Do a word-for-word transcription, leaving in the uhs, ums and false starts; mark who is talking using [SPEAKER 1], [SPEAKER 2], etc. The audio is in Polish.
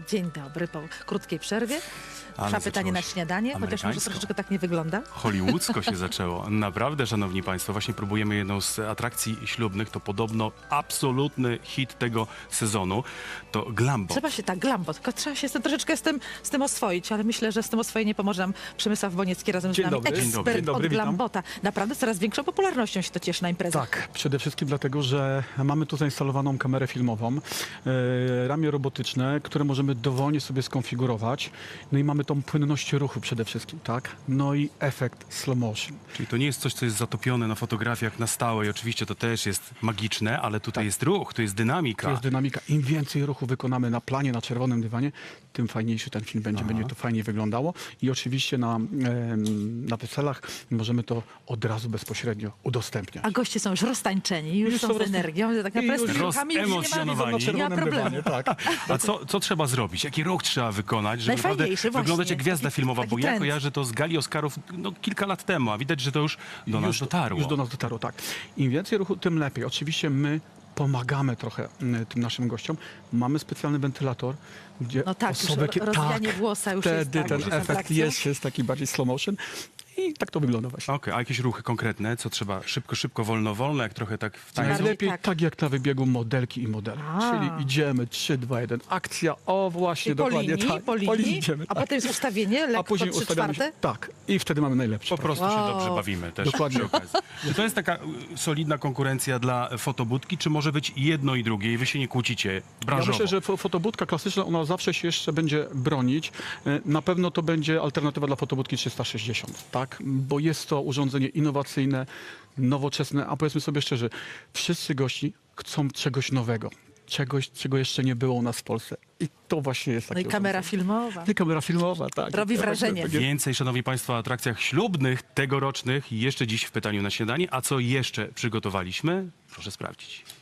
[SPEAKER 1] Dzień dobry, po krótkiej przerwie.
[SPEAKER 2] Ale
[SPEAKER 1] Trwa pytanie na
[SPEAKER 2] zaczęło się
[SPEAKER 1] śniadanie, chociaż może
[SPEAKER 2] amerykańsko.
[SPEAKER 1] troszeczkę tak nie wygląda.
[SPEAKER 2] Hollywoodzko się zaczęło. Naprawdę, szanowni państwo, właśnie próbujemy jedną z atrakcji ślubnych. To podobno absolutny hit tego sezonu. To Glambo.
[SPEAKER 1] Trzeba się tak, glambo, tylko trzeba się z tym, troszeczkę z tym, z tym oswoić, ale myślę, że z tym oswojeniem pomoże nam Przemysław Boniecki razem
[SPEAKER 3] Dzień
[SPEAKER 1] z nami.
[SPEAKER 3] dobry. Dzień
[SPEAKER 1] Ekspert
[SPEAKER 2] dobry.
[SPEAKER 3] Dzień dobry,
[SPEAKER 1] od
[SPEAKER 3] witam.
[SPEAKER 1] Glambota. Naprawdę coraz większą popularnością się to cieszy na imprezach.
[SPEAKER 3] Tak, przede wszystkim dlatego, że mamy tu zainstalowaną kamerę filmową, e, ramię robotyczne, które możemy dowolnie sobie skonfigurować. No i mamy tą płynność ruchu przede wszystkim, tak? No i efekt slow motion.
[SPEAKER 2] Czyli to nie jest coś, co jest zatopione na fotografiach na stałe i oczywiście to też jest magiczne, ale tutaj jest ruch, to jest dynamika.
[SPEAKER 3] To jest dynamika. Im więcej ruchu wykonamy na planie, na czerwonym dywanie, tym fajniejszy ten film będzie, będzie to fajniej wyglądało. I oczywiście na, em, na weselach możemy to od razu bezpośrednio udostępniać.
[SPEAKER 1] A goście są już roztańczeni, już,
[SPEAKER 3] Już
[SPEAKER 1] są
[SPEAKER 3] są
[SPEAKER 1] z
[SPEAKER 3] roz-
[SPEAKER 1] energią, tak
[SPEAKER 3] i
[SPEAKER 1] naprawdę z
[SPEAKER 3] już
[SPEAKER 1] tymi ruchami już nie ma,
[SPEAKER 2] rozemocjonowani.
[SPEAKER 3] Na
[SPEAKER 1] nie ma
[SPEAKER 3] czerwonym
[SPEAKER 1] problemu.
[SPEAKER 3] dywanie, tak.
[SPEAKER 2] A co, co trzeba zrobić? Jaki ruch trzeba wykonać, żeby naprawdę
[SPEAKER 1] Najfajniejszy właśnie.
[SPEAKER 2] wyglądać jak gwiazda
[SPEAKER 1] Taki-
[SPEAKER 2] filmowa?
[SPEAKER 1] taki
[SPEAKER 2] Bo ja
[SPEAKER 1] trend.
[SPEAKER 2] kojarzę to z gali Oscarów no, kilka lat temu, a widać, że to już do nas
[SPEAKER 3] już,
[SPEAKER 2] dotarło.
[SPEAKER 3] Już do nas dotarło, tak. Im więcej ruchu, tym lepiej. Oczywiście my pomagamy trochę mm, tym naszym gościom. Mamy specjalny wentylator, gdzie
[SPEAKER 1] No tak, już
[SPEAKER 3] osoby...
[SPEAKER 1] ro- rozwijanie włosa już jest,
[SPEAKER 3] wtedy
[SPEAKER 1] tak,
[SPEAKER 3] ten
[SPEAKER 1] już jest
[SPEAKER 3] efekt
[SPEAKER 1] atrakcją.
[SPEAKER 3] jest, jest taki bardziej slow motion i tak to wygląda właśnie.
[SPEAKER 2] Okej, a jakieś ruchy konkretne? Co trzeba szybko, szybko, wolno, wolno, jak trochę tak w tańcu?
[SPEAKER 1] Najlepiej
[SPEAKER 3] Najlepiej
[SPEAKER 1] tak.
[SPEAKER 3] tak. jak na wybiegu modelki i modele.
[SPEAKER 1] A.
[SPEAKER 3] Czyli idziemy trzy, dwa, jeden, akcja, o właśnie,
[SPEAKER 1] I po
[SPEAKER 3] dokładnie
[SPEAKER 1] linii,
[SPEAKER 3] tak.
[SPEAKER 1] po linii,
[SPEAKER 3] idziemy,
[SPEAKER 1] a
[SPEAKER 3] tak.
[SPEAKER 1] potem jest ustawienie,
[SPEAKER 3] A
[SPEAKER 1] lekko
[SPEAKER 3] później
[SPEAKER 1] trzy
[SPEAKER 3] ustawiamy
[SPEAKER 1] czwarte.
[SPEAKER 3] się, tak, i wtedy mamy najlepsze.
[SPEAKER 2] Po prostu się
[SPEAKER 1] Wow.
[SPEAKER 2] dobrze bawimy też
[SPEAKER 3] Dokładnie.
[SPEAKER 2] przy okazji. Czy to jest taka y, solidna konkurencja dla fotobudki, czy może być jedno i drugie i wy się nie kłócicie
[SPEAKER 3] Ja
[SPEAKER 2] branżowo?
[SPEAKER 3] myślę, że fo- fotobudka klasyczna, ona zawsze się jeszcze będzie bronić. E, Na pewno to będzie alternatywa dla fotobudki trzysta sześćdziesiąt, tak? Bo jest to urządzenie innowacyjne, nowoczesne, a powiedzmy sobie szczerze, wszyscy gości chcą czegoś nowego, czegoś, czego jeszcze nie było u nas w Polsce. I to właśnie jest
[SPEAKER 1] No
[SPEAKER 3] takie
[SPEAKER 1] i kamera
[SPEAKER 3] urządzenie.
[SPEAKER 1] filmowa.
[SPEAKER 3] I kamera filmowa, tak.
[SPEAKER 1] Robi
[SPEAKER 3] Ja
[SPEAKER 1] wrażenie.
[SPEAKER 3] właśnie-
[SPEAKER 2] Więcej, szanowni państwo, o atrakcjach ślubnych, tegorocznych, jeszcze dziś w pytaniu na śniadanie. A co jeszcze przygotowaliśmy? Proszę sprawdzić.